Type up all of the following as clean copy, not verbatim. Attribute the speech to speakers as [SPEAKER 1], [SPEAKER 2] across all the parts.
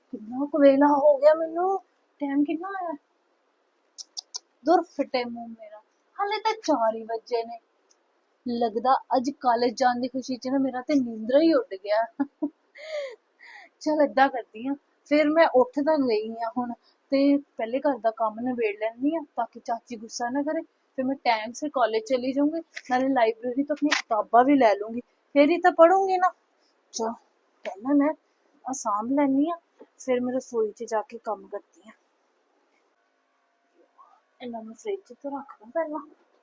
[SPEAKER 1] ਕਿੰਨਾ ਕੁ ਵੇਲਾ ਹੋ ਗਿਆ ਮੈਨੂੰ। ਟਾਈਮ ਕਿੰਨਾ ਹੋਇਆ? ਦੁਰ ਫਿੱਟੇ ਮੂੰਹ ਮੇਰਾ, ਹਾਲੇ ਤਾਂ 4 ਹੀ ਵਜੇ ਨੇ। ਲੱਗਦਾ ਅੱਜ ਕਾਲਜ ਜਾਣ ਦੀ ਖੁਸ਼ੀ ਚ ਨਾ ਮੇਰਾ ਤੇ ਨੀਂਦਰਾ ਹੀ ਉੱਡ ਗਿਆ। ਚਲ ਏਦਾਂ ਕਰਦੀ ਆ, ਫਿਰ ਮੈਂ ਉੱਠ ਤਾਂ ਗਈ ਆ ਹੁਣ, ਤੇ ਪਹਿਲੇ ਘਰ ਦਾ ਕੰਮ ਨਿਬੇੜ ਲੈਂਦੀ ਆ ਤਾਂ ਕਿ ਚਾਚੀ ਗੁੱਸਾ ਨਾ ਕਰੇ। ਫਿਰ ਮੈਂ ਟਾਈਮ ਸਿਰ ਕਾਲਜ ਚਲੀ ਜਾਊਂਗੀ, ਨਾਲੇ ਲਾइब्रेरी ਤੋਂ ਆਪਣੀ ਕਿਤਾਬਾਂ ਵੀ ਲੈ ਲੂੰਗੀ, ਫਿਰ ਹੀ ਤਾਂ ਪੜੂੰਗੀ ਨਾ। ਚਲ ਪਹਿਲਾਂ ਮੈਂ ਆਸਾਮ ਲੈਣੀ ਆ, ਫਿਰ ਮੈਂ ਰਸੋਈ 'ਚ ਜਾ ਕੇ ਕੰਮ ਕਰਦੀ ਆ। ਇਹਨਾਂ ਨੂੰ ਫ੍ਰਿਜ 'ਚ ਤਾਂ ਰੱਖ ਦਾਂ ਪਹਿਲਾਂ।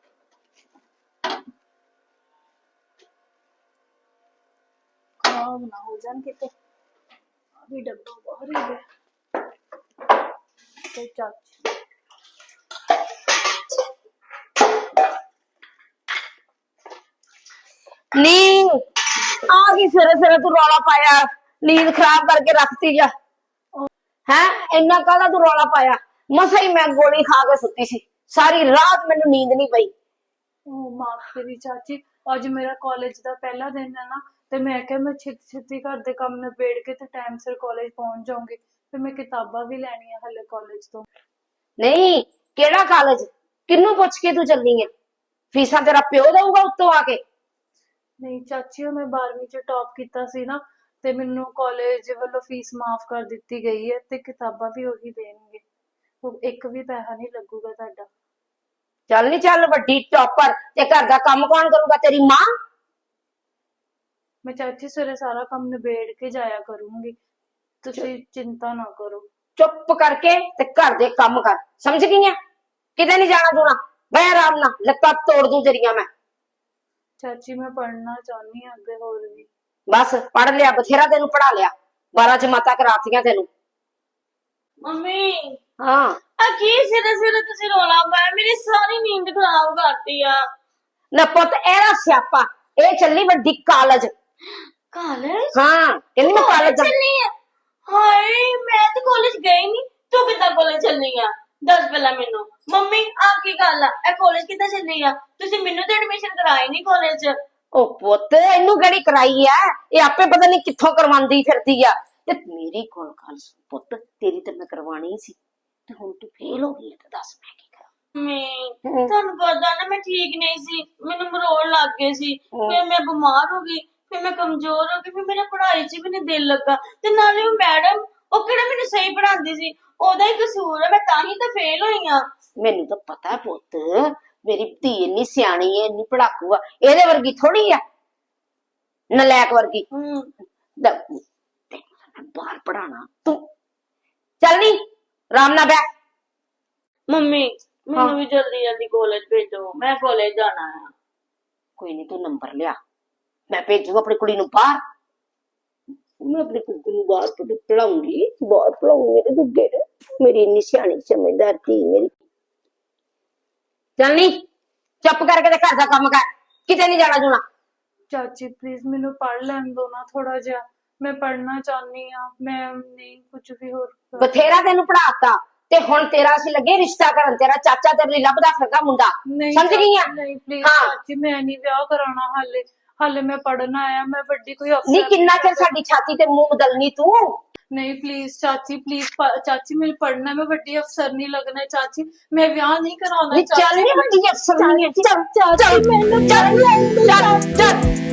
[SPEAKER 1] ਖਰਾਬ ਨਾ ਹੋ ਜਾਣ ਕਿਤੇ। ਆ ਵੀ ਡੱਬਾ ਬਾਹਰ ਹੀ ਗਿਆ। ਤੇ ਚਾਚੀ
[SPEAKER 2] नींद आ गई सवेरे सवेरे तू रौला पाया नींद खराब करके रखती जा है इन्ना काहदा तू रौला पाया मसा ही मैं गोली खा के सुती सी सारी रात मैनू नींद नहीं पई।
[SPEAKER 1] माफ करी चाची, अज मेरा कॉलेज का पहला दिन है ना, ते मैं क्या मैं छेती छेती घर दे काम निबेड़ के ते टाइम सिर कॉलेज पहुंच जाऊंगी। फिर मैं किताबां भी लैनी है हले कॉलेज तो।
[SPEAKER 2] नहीं केड़ा कॉलेज किन्नू पुछ के तू चलनी है? फीसा तेरा प्यो दऊगा उत्तों आके?
[SPEAKER 1] नहीं चाची, मैं 12वीं च टॉप किया सी ना, ते मैनू कॉलेज वालों फीस माफ कर दी गई है, ते किताबां भी वही देणगे, एक भी पैसा नहीं लगूगा तुहाडा।
[SPEAKER 2] चल नहीं चल वड्डी टॉपर ते घर दा काम कौन करूगा? तेरी मां।
[SPEAKER 1] मैं चाची सवेरे सारा काम निबेड़ के जाया करूंगी, तुसी चिंता ना करो।
[SPEAKER 2] चुप करके ते घर दे काम कर, समझ गई है? किते नहीं जाना दूना, बह आराम नाल, लत्तां तोड़ दूं तेरियां मैं।
[SPEAKER 1] चाची मैं पढ़ना चाहनी हूं अगे होर भी।
[SPEAKER 2] बस पढ़ लिया बथेरा, तेनू पढ़ा लिया, 12 जमाता करातियां तेनू।
[SPEAKER 3] मम्मी
[SPEAKER 2] हाँ
[SPEAKER 3] की सिरे सिरे तुसी रोला पाया, मेरी सारी नींद खराब करती आ।
[SPEAKER 2] ना पुत एरा स्यापा, ए चली वड्डी कॉलेज।
[SPEAKER 3] कॉलेज?
[SPEAKER 2] हाँ कहंदी मैं कॉलेज
[SPEAKER 3] चलनी है। हाय मैं तो कॉलेज गई नहीं, तू कितना कॉलेज चलनी है? दस पहला मेनू। मम्मी आ की गल आ, ए कॉलेज कितना चलनी आ? तुसी मेनू तो एडमिशन कराई नहीं कॉलेज च।
[SPEAKER 2] ओ पुत इनू केड़ी कराई है, ये आपे पता नहीं कित्थों करवांदी फिरदी आ। ते मेरी कोल गल सुन पुत, तेरी ते मैं करवानी सी, ते हुण तू फेल हो गई है ते दस मैं की करा?
[SPEAKER 3] मैं थानू पता ना मैं ठीक नहीं सी, मेनू मरोड़ लग गए सी, फिर मैं बीमार हो गई, फिर मैं कमजोर हो गई, फिर मेरा पढ़ाई च भी नहीं दिल लगा, ते नाले वो मैडम ओ केड़ा मेनू सही पढ़ांदी सी, ओदा ही कसूर है, मैं ताही तो फेल होई हां।
[SPEAKER 2] मैनू तो पता है पुत, मेरी धी इन्नी सियाणी है, इन्नी पढ़ाकू आ, एदे वर्गी थोड़ी आ नलैक वर्गी। बाहर पढ़ाना तू चल नी राम ना बैठ।
[SPEAKER 3] मम्मी मैनू भी जल्दी जल्दी कॉलेज भेजो, मैं कॉलेज जाना है।
[SPEAKER 2] कोई नहीं तू नंबर लिया, मैं भेजू अपनी कुड़ी नू बाहर, मैं अपनी कुड़ी नू बाहर पढ़ाऊंगी, बाहर पढ़ाऊंगी मेरे दुगे ने, मेरी इन्नी सियाणी समझदार थी मेरी। चल नी चुप करके ते घर दा काम कर, किते नहीं जाना जूना।
[SPEAKER 1] चाची प्लीज मैनू पढ़ लैन दो ना थोड़ा जिहा, मैं पढ़ना चाहनी हां, मैं नहीं कुछ भी होर
[SPEAKER 2] बथेरा तेनू पढ़ाता ते हुण तेरा असीं लगे रिश्ता करन, तेरा चाचा तेरे लिए लभदा फिरदा मुंडा, समझ गई है?
[SPEAKER 1] नहीं प्लीज
[SPEAKER 2] हाँ।
[SPEAKER 1] चाची मैं नहीं ब्याह कराना हाले, हाले मैं पढ़ना आया, मैं बड़ी कोई
[SPEAKER 2] नी
[SPEAKER 1] अफसर
[SPEAKER 2] किन्ना चिर साडी छाती ते मुंह बदलनी तू?
[SPEAKER 1] नहीं प्लीज चाची, प्लीज चाची मेरे पढ़ना, मैं बड़ी अफसर नहीं लगना है चाची, मैं ब्याह नहीं कराना
[SPEAKER 2] नी चल नी बड्डी अफसर नहीं है, चल चल चल चल चल